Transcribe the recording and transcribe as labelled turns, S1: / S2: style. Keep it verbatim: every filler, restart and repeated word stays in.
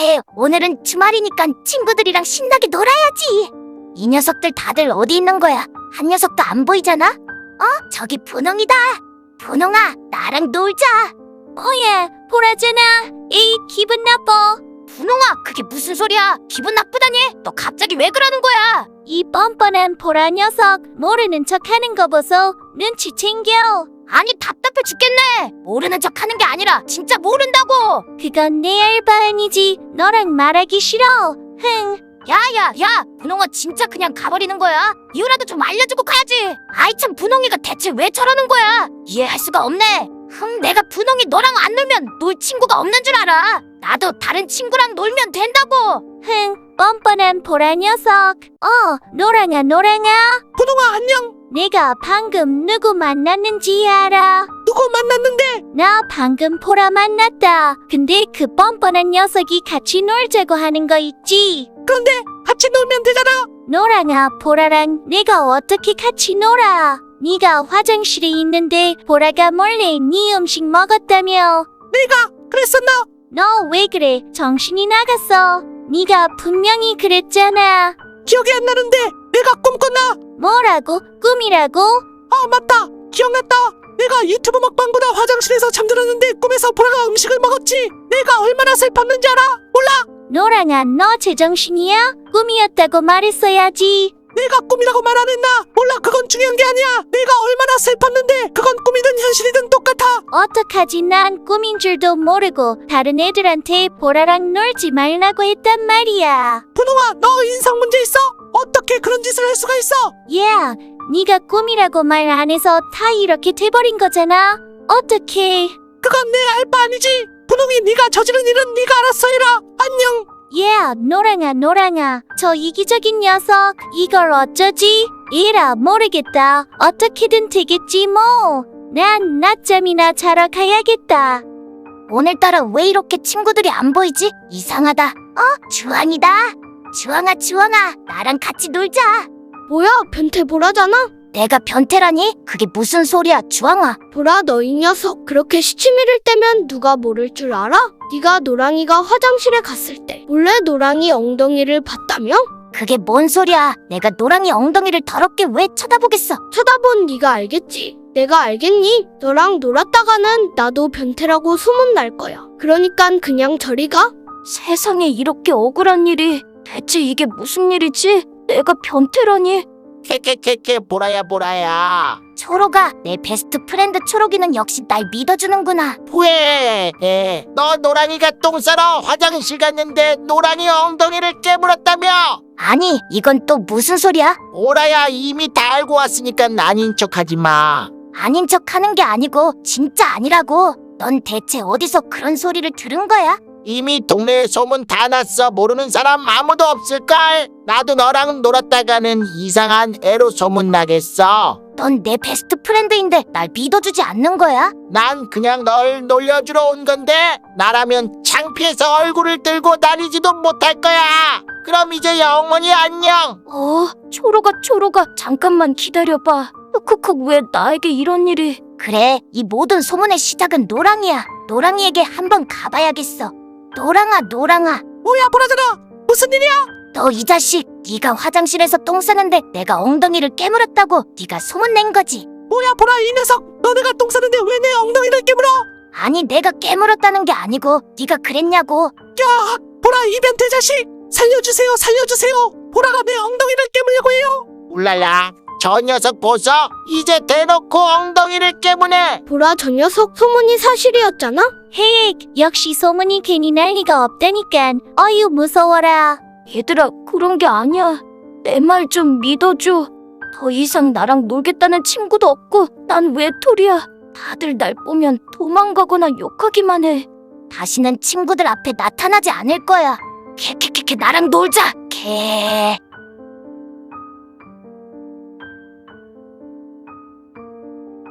S1: 그래, 오늘은 주말이니까 친구들이랑 신나게 놀아야지. 이 녀석들 다들 어디 있는 거야? 한 녀석도 안 보이잖아? 어? 저기 분홍이다. 분홍아, 나랑 놀자.
S2: 뭐야, 보라잖아. 에이, 기분 나빠.
S1: 분홍아, 그게 무슨 소리야? 기분 나쁘다니? 너 갑자기 왜 그러는 거야?
S2: 이 뻔뻔한 보라 녀석, 모르는 척 하는 거 보소. 눈치 챙겨.
S1: 아니, 답답해 죽겠네. 모르는 척 하는 게 아니라 진짜 모른다고.
S2: 그건 내 알바 아니지. 너랑 말하기 싫어. 흥.
S1: 야야 야, 분홍아 진짜 그냥 가버리는 거야? 이유라도 좀 알려주고 가야지. 아이 참, 분홍이가 대체 왜 저러는 거야? 이해할 수가 없네. 흠, 내가 분홍이 너랑 안 놀면 놀 친구가 없는 줄 알아. 나도 다른 친구랑 놀면 된다고.
S2: 흥, 뻔뻔한 보라 녀석. 어, 노랑아, 노랑아.
S3: 분홍아, 안녕.
S2: 내가 방금 누구 만났는지 알아?
S3: 누구 만났는데?
S2: 나 방금 보라 만났다. 근데 그 뻔뻔한 녀석이 같이 놀자고 하는 거 있지?
S3: 그런데 같이 놀면 되잖아.
S2: 노랑아, 보라랑 내가 어떻게 같이 놀아? 네가 화장실에 있는데 보라가 몰래 네 음식 먹었다며.
S3: 내가 그랬었나?
S2: 너 왜 그래? 정신이 나갔어. 네가 분명히 그랬잖아.
S3: 기억이 안 나는데 내가 꿈꿨나?
S2: 뭐라고? 꿈이라고?
S3: 아, 맞다. 기억났다. 내가 유튜브 먹방보다 화장실에서 잠들었는데 꿈에서 보라가 음식을 먹었지. 내가 얼마나 슬펐는지 알아? 몰라?
S2: 노랑아, 너 제정신이야? 꿈이었다고 말했어야지.
S3: 내가 꿈이라고 말 안 했나? 몰라, 그건 중요한 게 아니야. 내가 얼마나 슬펐는데 그건 꿈이든 현실이든 똑같아.
S2: 어떡하지? 난 꿈인 줄도 모르고 다른 애들한테 보라랑 놀지 말라고 했단 말이야.
S3: 분홍아, 너 인성 문제 있어? 어떻게 그런 짓을 할 수가 있어?
S2: 야, 네가 꿈이라고 말 안 해서 다 이렇게 돼버린 거잖아. 어떡해.
S3: 그건 내 알 바 아니지. 분홍이 네가 저지른 일은 네가 알아서 해라. 안녕.
S2: 야, 노랑아, 노랑아. 저 이기적인 녀석. 이걸 어쩌지? 에라, 모르겠다. 어떻게든 되겠지 뭐. 난 낮잠이나 자러 가야겠다.
S1: 오늘따라 왜 이렇게 친구들이 안 보이지? 이상하다. 어? 주황이다. 주황아, 주황아, 나랑 같이 놀자.
S4: 뭐야, 변태 보라잖아?
S1: 내가 변태라니? 그게 무슨 소리야, 주황아.
S4: 보라, 너 이 녀석 그렇게 시치미를 떼면 누가 모를 줄 알아? 네가 노랑이가 화장실에 갔을 때 몰래 노랑이 엉덩이를 봤다며?
S1: 그게 뭔 소리야? 내가 노랑이 엉덩이를 더럽게 왜 쳐다보겠어?
S4: 쳐다본 네가 알겠지. 내가 알겠니? 너랑 놀았다가는 나도 변태라고 소문날 거야. 그러니깐 그냥 저리 가.
S1: 세상에 이렇게 억울한 일이. 대체 이게 무슨 일이지? 내가 변태라니?
S5: 캐캐캐캐 보라야 보라야.
S1: 초록아, 내 베스트 프렌드 초록이는 역시 날 믿어주는구나.
S5: 왜? 에, 너 노랑이가 똥 싸러 화장실 갔는데 노랑이 엉덩이를 깨물었다며?
S1: 아니, 이건 또 무슨 소리야?
S5: 보라야, 이미 다 알고 왔으니까 아닌 척하지 마.
S1: 아닌 척 하는 게 아니고 진짜 아니라고. 넌 대체 어디서 그런 소리를 들은 거야?
S5: 이미 동네에 소문 다 났어. 모르는 사람 아무도 없을걸? 나도 너랑 놀았다가는 이상한 애로 소문나겠어.
S1: 넌 내 베스트 프렌드인데 날 믿어주지 않는 거야?
S5: 난 그냥 널 놀려주러 온 건데 나라면 창피해서 얼굴을 들고 다니지도 못할 거야. 그럼 이제 영원히 안녕.
S1: 어, 초록아, 초록아, 잠깐만 기다려봐. 흑흑흑, 왜 나에게 이런 일이? 그래, 이 모든 소문의 시작은 노랑이야. 노랑이에게 한번 가봐야겠어. 노랑아, 노랑아,
S3: 뭐야, 보라잖아. 무슨 일이야?
S1: 너 이 자식, 네가 화장실에서 똥 싸는데 내가 엉덩이를 깨물었다고 네가 소문낸 거지?
S3: 뭐야, 보라, 이 녀석. 너 내가 똥 싸는데 왜 내 엉덩이를 깨물어?
S1: 아니, 내가 깨물었다는 게 아니고 네가 그랬냐고.
S3: 야, 보라, 이 변태 자식. 살려주세요, 살려주세요. 보라가 내 엉덩이를 깨물려고 해요.
S5: 울랄라, 저 녀석 보소. 이제 대놓고 엉덩이를 깨무네.
S4: 보라, 저 녀석 소문이 사실이었잖아?
S2: 헤익, 역시 소문이 괜히 날 리가 없다니깐. 어휴, 무서워라.
S1: 얘들아, 그런 게 아니야. 내 말 좀 믿어줘. 더 이상 나랑 놀겠다는 친구도 없고 난 외톨이야. 다들 날 보면 도망가거나 욕하기만 해. 다시는 친구들 앞에 나타나지 않을 거야. 캐캐캐캐, 나랑 놀자. 캐.